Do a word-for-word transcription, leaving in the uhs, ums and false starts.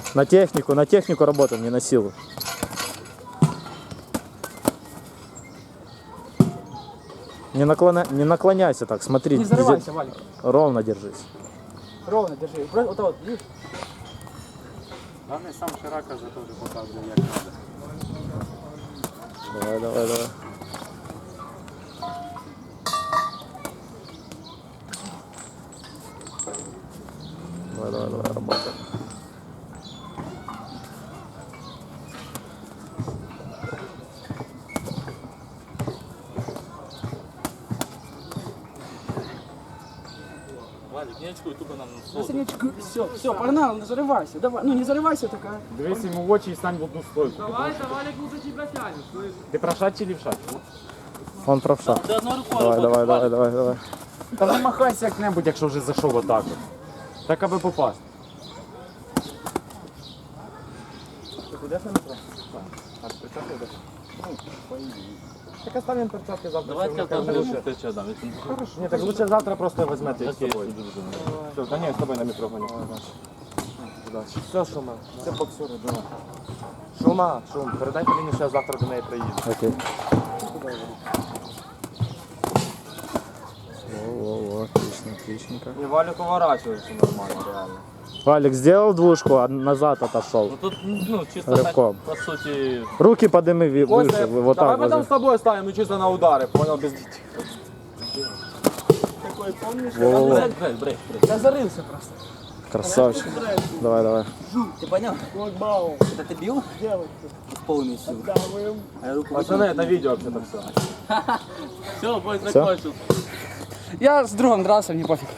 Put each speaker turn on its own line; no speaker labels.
На технику, на технику работаем, не на силу. Не, наклоня... не наклоняйся так, смотри.
Не взрывайся, Валик.
Ровно держись.
Ровно держи. Вот вот, видишь?
Главное, сам Ширака же тоже показывает, як надо.
Давай, давай, давай. Давай, давай, давай, работаем.
Валик, не очкуй, тупо нам
Все, все, погнал, не зарывайся. Давай, ну не зарывайся такая.
Дивись йому в очі і стань в одну стойку.
Давай, Валик лучше тебя тянет, слышишь?
Ти правша чи лівша?
Он правша.
Ти одною рукою
Давай, давай,
робиш,
давай, давай, давай.
Та намахайся як-небудь, якщо вже зайшов отак. от. Так аби попасти. Так оставим перчатки завтра.
Давай
все
я
одно
там
лучше.
лучше ти дам.
Хорошо. Ні, так лучше завтра просто візьмете
Я
їх
з
з
тобою
собою.
сиджу вже.
Все, та ні, з тобою на метро гоню. Удачі. Все, Шума, це боксери, давай. Шума, Шум, передай Поліні, що я завтра до неї приїду.
Окей. Во-во-во, отлично, отличненько.
І Валю поворачується нормально, реально.
Валик сделал двушку, а назад отошел.
Ну тут, ну, чисто так,
Рывком.
по суті,
Руки подними ви- выше, вы вот
давай
так
потом
вот.
с тобой ставим, ну чисто на удары, понял, без детей.
Такой, помнишь?
Во-во-во.
брейк, брейк, брейк.
Я зарылся просто.
Красавчик. Давай, давай.
Ты понял?
Локбаум.
Это ты бил?
Девочки.
В полную силу.
Даваем.
А я руку
Пацаны, это видео вообще-то все.
Все, бой
Всё?
закончил.
Я с другом дрался, мне пофиг.